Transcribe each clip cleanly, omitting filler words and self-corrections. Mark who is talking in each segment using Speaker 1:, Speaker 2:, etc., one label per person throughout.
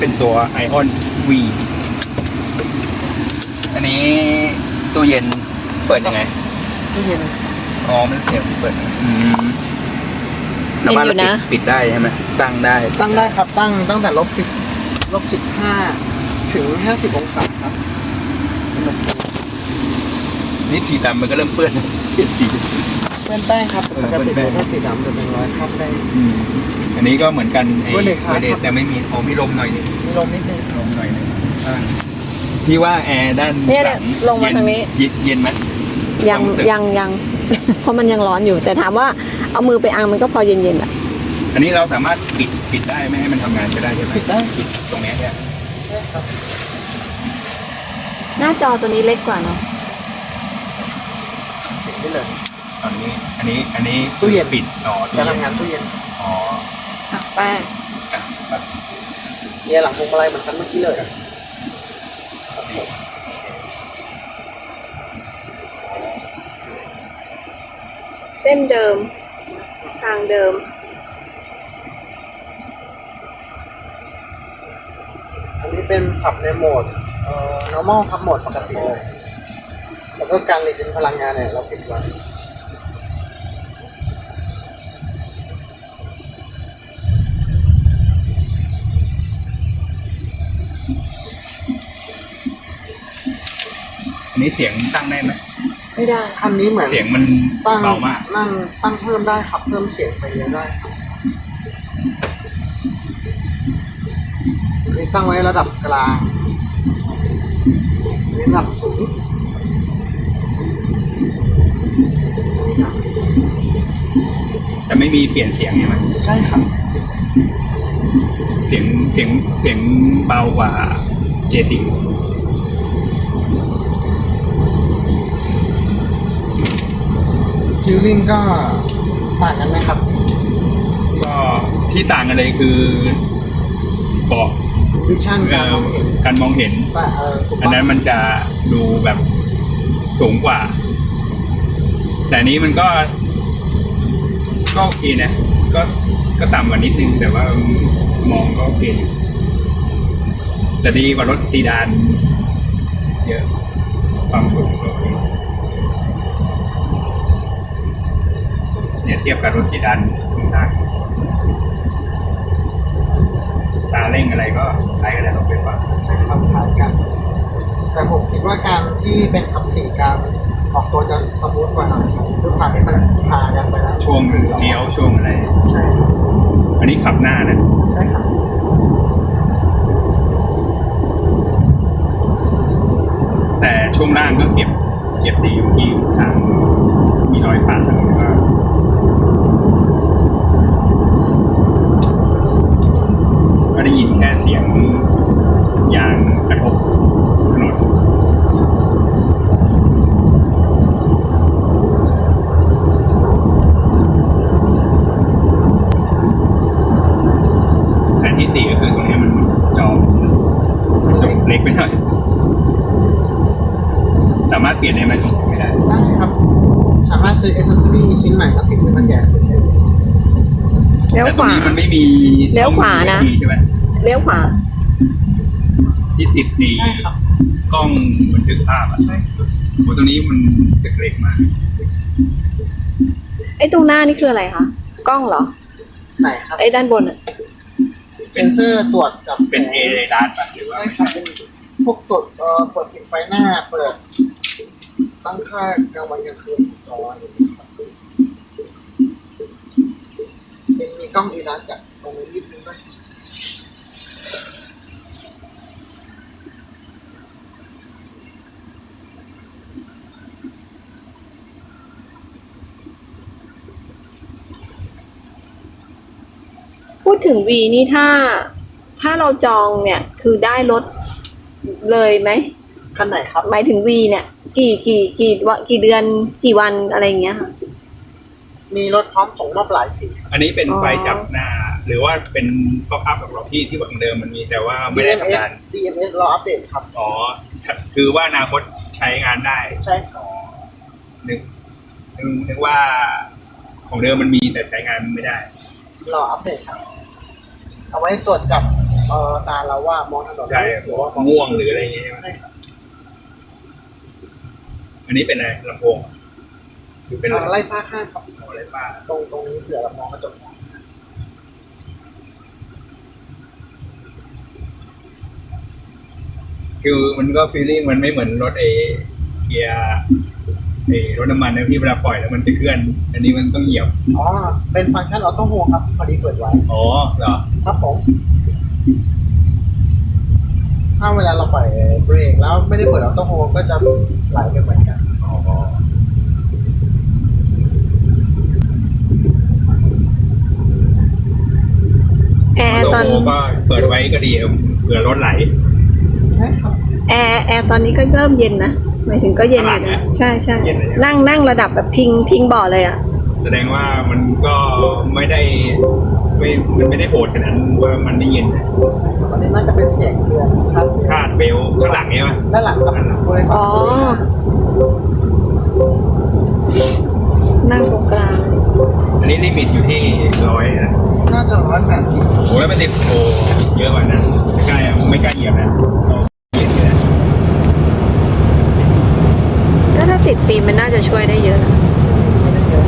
Speaker 1: เป็นตัว Ion V อันนี้ตู้เย็นเปิดยังไง
Speaker 2: ตู้เย็น
Speaker 1: อ๋อมันเสียบเปิดสา
Speaker 3: เย็น
Speaker 1: มารถ
Speaker 3: อยู่นะ
Speaker 1: ปิดได้ใช่ไหมตั้งได้
Speaker 2: ตั้งได้ครับตั้งแต่-15ถึง50องศาครับ
Speaker 1: นี่สีดำมันก็เริ่มเปื้อนเปลี่ยนสี
Speaker 2: เปื้อนแป้งครับปกติ
Speaker 1: เปื้อนแป้ง
Speaker 2: ถ้าสีดำจะเป็นรอยคราบแป้ง
Speaker 1: อันนี้ก็เหมือนกันไอ้
Speaker 2: ไวเลสชาร์จ
Speaker 1: ไวเลสแต่ไม่มีมีลมหน่อยนึง
Speaker 2: มีลมนิดนึง
Speaker 1: ลมหน่อยนึงพี่ว่าแอร์ด้าน
Speaker 3: เนี่ย
Speaker 1: หลัง
Speaker 3: ลงมาทางนี้
Speaker 1: เย็นไหม
Speaker 3: ยัง
Speaker 1: ความรู้สึก
Speaker 3: ยัง เพราะมันยังร้อนอยู่ แต่ถามว่าเอามือไปอังมันก็พอเย็นๆอ่ะ
Speaker 1: อันนี้เราสามารถปิดได้ไม่ให้มันทำงานก็ได้ใช่ไหม
Speaker 2: ปิดได้
Speaker 1: ปิดตรงเนี้ยเนี่ย
Speaker 2: ใช่ครับ
Speaker 3: หน้าจอตัวนี้เล็กกว่าเนาะ
Speaker 2: ปิดได้เลย
Speaker 1: ตอนนี้อันนี้
Speaker 2: ตู้เย็น
Speaker 1: ปิดอ๋อ
Speaker 2: การทำงานตู้เย็น
Speaker 1: อ๋อ
Speaker 3: หักแป้ง
Speaker 2: เนี่ยหลังพวงมาลัยเหมือนกันเมื่อกี้เลย
Speaker 3: เส้นเดิม ทางเดิม
Speaker 2: อันนี้เป็นขับในโหมดnormal ครับโหมดปกติเลยแล้วก็การรีเจนพลังงานเนี่ยเราปิดไว้
Speaker 1: อันนี้เสียงตั้งได้ไหม
Speaker 3: ไม่ได้
Speaker 2: คันนี้เหมือน
Speaker 1: เสียงมัน
Speaker 2: ตั้ง
Speaker 1: เบามาก
Speaker 2: ตั้งเพิ่มได้ครับเพิ่มเสียงไปเยอะได้ครับนี่ตั้งไว้ระดับกลางนี่ระดับสูง
Speaker 1: แต่ไม่มีเปลี่ยนเสียงใช่ไหม
Speaker 2: ใช่ครับ
Speaker 1: เสียงเบากว่าเจติง
Speaker 2: ฟิลลิ่งก็ต่างกันไหมครับ
Speaker 1: ก็ที่ต่างกันเลยคือเบอก
Speaker 2: วิชั่นการมองเห็น
Speaker 1: การมองเห็น
Speaker 2: แต่ถูก
Speaker 1: อัน
Speaker 2: ปะ
Speaker 1: นั้นมันจะดูแบบสูงกว่า แต่อันนี้มันก็โอเคนะ ก็ต่ำกว่านิดนึง แต่ว่ามองก็โอเคอยู่แต่ดีกว่ารถซีดานเยอะความสูงก็โอเคเนี่ยเทียบกับรถซีดานต่างตาเร่งอะไรก็ใช้กันได้รถไฟฟ้า
Speaker 2: ใช่ครับคล้ายกัน แต่ผมคิดว่าการที่เป็นขับสี่การออกตัวจะสมูทกว่าหน่อยครับด้วยความที่มันพากันไปแล้ว
Speaker 1: ช่วงเลี้ยวช่วงอะไร
Speaker 2: ใช่ครับ
Speaker 1: อันนี้ขับหน้านะ
Speaker 2: ใช่ครับ
Speaker 1: แต่ช่วงล่างก็เก็บดีอยู่ที่ทางมีรอยผ่านถนนก็ได้ยินแค่เสียงยางกระทบถนนแต่ที่ตีก็คือตรงนี้มันจอเล็กไปหน่อยสามารถเปลี่ยนได้ไหมไม่ได้
Speaker 2: ได้ครับ สามารถซื้อ accessory ชิ้นใหม่มาติดให้มันใหญ่ขึ้นได้
Speaker 3: เลี้ยว
Speaker 1: แต่
Speaker 3: ข
Speaker 1: ตรง
Speaker 3: วา
Speaker 1: นี้มันไม่มี
Speaker 3: เลี้ยวขวานะ
Speaker 1: ช่อง USB ใช่ไหม
Speaker 3: เลี้ยวขวา
Speaker 1: ที่ติดดี
Speaker 2: ใช่ครับ
Speaker 1: กล้องบันทึกภาพอ่ะ
Speaker 2: ใช่
Speaker 1: โอ้ตรงนี้มันเล็กมาก
Speaker 3: ไอ้ตรงหน้านี่คืออะไรคะ กล้องเหรอ
Speaker 2: ไหนครับ
Speaker 3: ไอ้ด้านบนอ่ะ
Speaker 2: เซนเซอร์ตรวจจับแส
Speaker 1: เป็น
Speaker 2: ง
Speaker 1: เอเรดาร์ป่ะหรือว่า
Speaker 2: ใช่ครับเป็นพวกตรวจเปิดปิดไฟหน้า เปิดตั้งค่ากลางวันกลางคืนจออะไรอย่างเงี้ยครับเป็นมีกล้องอีรัสจากตรงนี้นิดนึงด้วย
Speaker 3: พูดถึง V นี่ถ้าเราจองเนี่ย คือได้รถเลยไหม
Speaker 2: คันไหนครับ
Speaker 3: หมายถึง V เนี่ย กี่เดือนกี่วันอะไรอย่างเงี้ยค่ะ
Speaker 2: มีรถพร้อมส่งมอบหลายสีครับ
Speaker 1: อันนี้เป็น
Speaker 3: อ๋อ
Speaker 1: ไฟจับหน้า หรือว่าเป็นป๊อปอัพของเราที่ของเดิมมันมีแต่ว่าไม่ได้ทำงาน
Speaker 2: DMS รออัปเดตครับ
Speaker 1: อ๋อ คือว่าอนาคตใช้งานได้
Speaker 2: ใช่ครับ
Speaker 1: นึกว่าของเดิมมันมีแต่ใช้งานไม่ได้
Speaker 2: รออัปเดตครับ เอาไว้ตรวจจับไฟตาเราว่ามองถนน
Speaker 1: ใช่
Speaker 2: หรือว่า
Speaker 1: ง่วงหรืออะไรอย่างเงี้ยใช่ไหม
Speaker 2: ใช่ครับ
Speaker 1: อันนี้เป็นอะไรลำโพงหรือเป็นอะไร
Speaker 2: ไล่ฟ้าข้างครับ
Speaker 1: อะไรป้า
Speaker 2: ตรงนี้เผื่อเรามองกระจก
Speaker 1: คือมันก็ฟีลลิ่งมันไม่เหมือนรถเกียร์รถน้ำมันนะที่เวลาปล่อยแล้วมันจะเคลื่อน อันนี้มันต้องเหยียบ
Speaker 2: อ๋อเป็นฟังก์ชันออโต้โฮครับพอดีเปิดไว้
Speaker 1: อ๋อเหรอ
Speaker 2: ครับผมถ้าเวลาเราปล่อยเบรกแล้วไม่ได้เปิดออโต้โฮก็จะไหลไปเหมือนกัน
Speaker 1: อ๋อ
Speaker 3: แอร์
Speaker 1: โล
Speaker 3: ตอน
Speaker 1: โก้ก็เปิดไว้ก็ดีเผื่อรถไหล
Speaker 2: ใช่ครับ
Speaker 3: แอร์ตอนนี้ก็เริ่มเย็นนะหมายถึงก็เย็นอยู่
Speaker 1: ข้างหลัง
Speaker 3: นะ
Speaker 1: อะ
Speaker 3: ใช่ใช่
Speaker 1: เย็นเลยใช่ไหม
Speaker 3: นั่งระดับแบบพิงเบาะเลยอ่ะ
Speaker 1: แสดงว่ามันก็ไม่ได้มันไม่ได้โหดขนาดนั้นว่ามันไม่เย็นนะ
Speaker 2: อันนี้น่าจะเป็นเสียงเตือนครับ
Speaker 1: คาดเบลต์ข้างหลังเนี่ยมั้ย
Speaker 2: ด้านหลังครับบริษัท
Speaker 3: อ๋อ นั่งตรงกลาง
Speaker 1: อันนี้ลิมิตอยู่ที่100นะ
Speaker 2: น่าจะ180
Speaker 1: โอ้แล้วมันติดโอ้เยอะกว่านั้นไม่กล้าอะไม่กล้าเหยียบนะเหยียบเลยนะ
Speaker 3: ก็ถ้าติดฟิล์มมันน่าจะช่วยได้เยอะนะ
Speaker 2: ใช้ได้เยอะ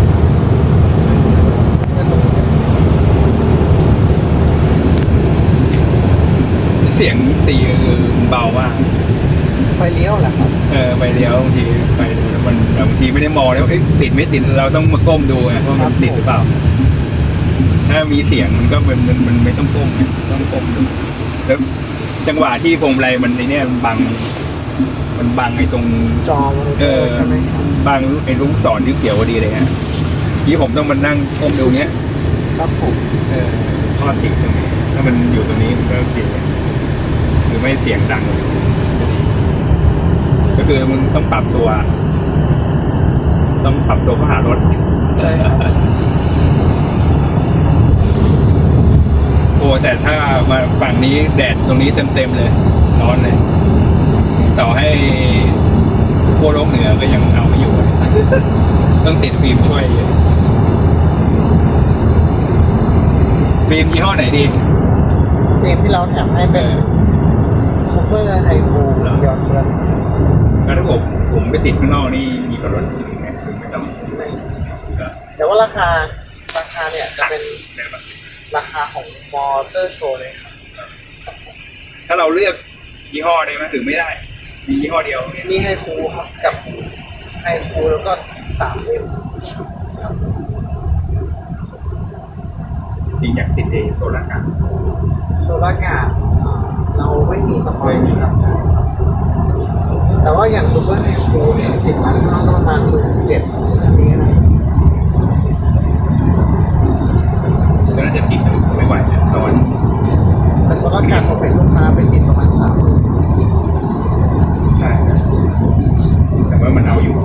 Speaker 2: แล้วตรงนี้
Speaker 1: เสียงตีคือเบามาก
Speaker 2: ไฟเลี้ยวแหละครับ
Speaker 1: ไปเลี้ยวบางทีไปดูแล้วมันบางทีไม่ได้มองแล้วาติดไม่ติดเราต้องมาก้มดูไงว่ามันติดหรือเปล่า ถ้ามีเสียงมันก็มันไม่ต้องก้มไงต้องก้มดูแล้วจังหวะที่พวงมาลัยมันไอเนี่ยมันบังไอ้ตรง
Speaker 2: จอมอนิเตอร์ใช่ไหมครับ
Speaker 1: บังไอ้ลูกศรที่เขียวพอดีเลยฮะที่ผมต้องมานั่งก้มดูเนี้ย
Speaker 2: ครับผม
Speaker 1: ข้อติดตรงนี้ถ้ามันอยู่ตรงนี้มันก็เปลี่ยนหรือไม่เสียงดังจะดีก็คือมึงต้องปรับตัว ต้องปรับตัวเข้าหารถ
Speaker 2: ใช่ครับ
Speaker 1: โอ้แต่ถ้ามาฝั่งนี้แดดตรงนี้เต็มเลยร้อนเลย ต่อให้โคโลกเหนือก็ยังเอาไม่อยู่ ต้องติดฟิล์มช่วยฟิล์มยี่ห้อไหนดี
Speaker 2: เฟรมที่เราแถมให้เป็นซูเปอร์ไฮฟูยอนเซอร์
Speaker 1: แล้วถ้าผมไปติดข้างนอกนี่มีกับรถไหมไม่ต้องก็
Speaker 2: แต่ว่าราคาเนี่ยจะเป็น
Speaker 1: แบบว่า
Speaker 2: ราคาของมอเตอร์โชว์เลยครับ
Speaker 1: ถ้าเราเลือกยี่ห้อได้ไหมหรือไม่ได้ มียี่ห้อเดียวเนี่ย
Speaker 2: มีไฮฟูครับกับไฮฟูแล้วก็ 3M
Speaker 1: จริงอยากติดโซลาร์การ์ด
Speaker 2: โซลาร์การ์ดเราไม่มีสปอยล์ครับใช่ครับแต่ว่าอย่างซูเปอร์ไฮฟูเนี่ยติดร้านข้างนอกก็ประมาณ17,000อันนี้นะ
Speaker 1: ก็น่าจะติดไม่ไหวนะตอน
Speaker 2: แต่โซลาร์การ์ดผมเห็นลูกค้าไปติดประมาณ3,000
Speaker 1: ใช่แต่ว่ามันเอาอยู่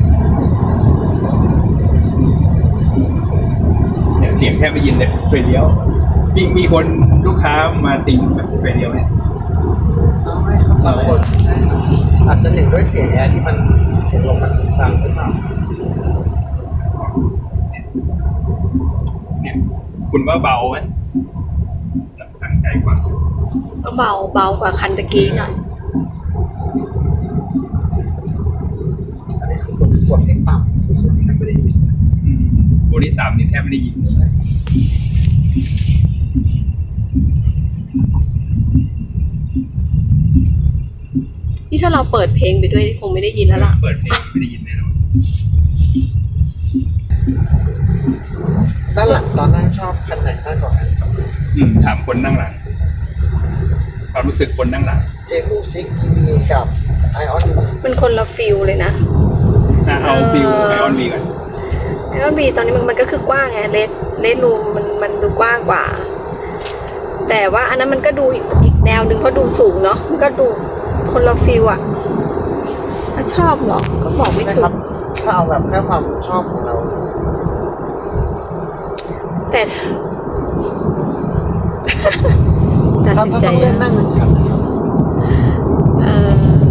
Speaker 1: เนี่ยเสียงแทบไม่ยินเลยไฟเลี้ยวมีคนลูกค้ามาติงแบบไฟเลี้ยวเนี่ย
Speaker 2: เอาไหมครับบางคนใช่ครับอาจจะหนึ่งด้วยเสียงแอร์ที่มันเสียงลมมันดังขึ้นมา
Speaker 1: เนี่ยคุณว่าเบาไหมตั้งใจกว่า
Speaker 3: ก็เบากว่าคันตะกี้หน่อย
Speaker 2: อันนี้คือกดให้ต่ำสุดๆแทบไม่ได้ยิน
Speaker 1: โบนี่ต่ำนี่แทบไม่ได้ยิน
Speaker 2: ใช่
Speaker 3: นี่ถ้าเราเปิดเพลงไปด้วยคงไม่ได้ยินแล้วล่ะ
Speaker 1: เปิดเพลงไม่ได้ยินแน่นอน
Speaker 2: ด้านหลังตอนนั่งชอบคันไหนมากกว่ากันครับ
Speaker 1: ถามคนนั่งหลังความรู้สึกคนนั่งหลัง
Speaker 2: เจคูซิก EV กับไอออน
Speaker 3: มันคนละฟิลเลยนะ
Speaker 1: เอาฟิลไอออนบีก่อน
Speaker 3: ไอออนบีตอนนี้มันก็คือกว้างไงเลสรูมมันดูกว้างกว่า แต่ว่าอันนั้นมันก็ดูอีกแนวหนึ่งเพราะดูสูงเนาะมันก็ดูคนละฟิลอะถ้าชอบเหรอก็บอกไม่
Speaker 2: นะ
Speaker 3: ถู
Speaker 2: ครั
Speaker 3: ก
Speaker 2: บถ้าเอาแบบแค่ความชอบของเรา
Speaker 3: แต่ตัด
Speaker 2: ถ้า
Speaker 3: สิน
Speaker 2: ถ้า
Speaker 3: ใจ
Speaker 2: ต้องเลือกนั่งหนึ่งคัน
Speaker 3: เออ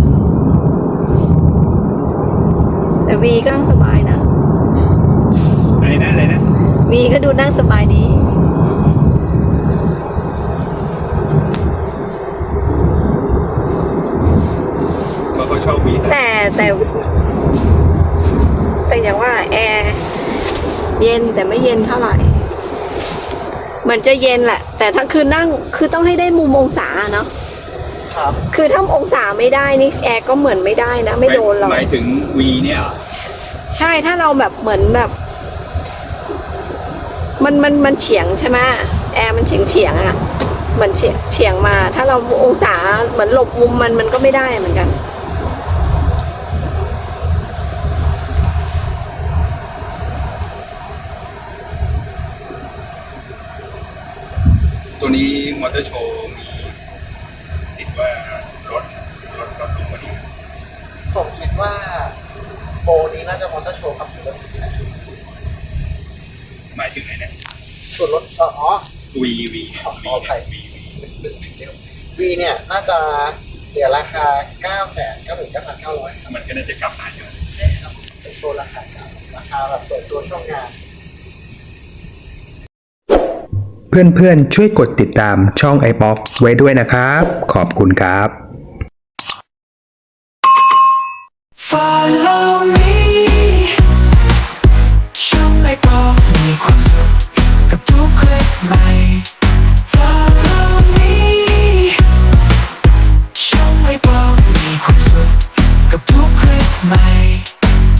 Speaker 3: แต่วีก็นั่งสบายนะ
Speaker 1: อะไรนะ
Speaker 3: วีก็ดูนั่งสบายดี
Speaker 1: ชอบวี
Speaker 3: แต่อย่างว่าแอร์เย็นแต่ไม่เย็นเท่าไหร่เหมือนจะเย็นแหละแต่ถ้าคือนั่งคือต้องให้ได้มุมองศาเนาะ
Speaker 2: ครับ
Speaker 3: คือถ้าองศาไม่ได้นี่แอร์ก็เหมือนไม่ได้นะไม่โดนหรอก
Speaker 1: หมายถึงวีเนี่ยเหรอ
Speaker 3: ใช่ถ้าเราแบบเหมือนแบบมันเฉียงใช่ไหมแอร์มันเฉียงอ่ะเหมือนเฉียงมา ถ้าเราองศาเหมือนหลบมุมมันก็ไม่ได้เหมือนกัน
Speaker 1: ตัวนี้มอเตอร์โชว์มีติดว่ารถก็สูงกว่านี้
Speaker 2: ผมคิดว่าโปรนี้น่าจะมอเตอร์โชว์ครับส่วนลด100,000
Speaker 1: หมายถึงไหนเนี่ย
Speaker 2: ส่วนลด
Speaker 1: วี
Speaker 2: ขออภัย วีเนี่ยน่าจะเหลือราคา 999,900 ครับ
Speaker 1: มันก็น่าจะกลับมาใช่ไหม
Speaker 2: ใช่ครับเป็นโชว์ราคาเก่าราคาแบบเปิดตัวช่วงงาน
Speaker 4: เพื่อนๆช่วยกดติดตามช่อง iBox ไว้ด้วยนะครับ ขอบคุณครับ
Speaker 5: Follow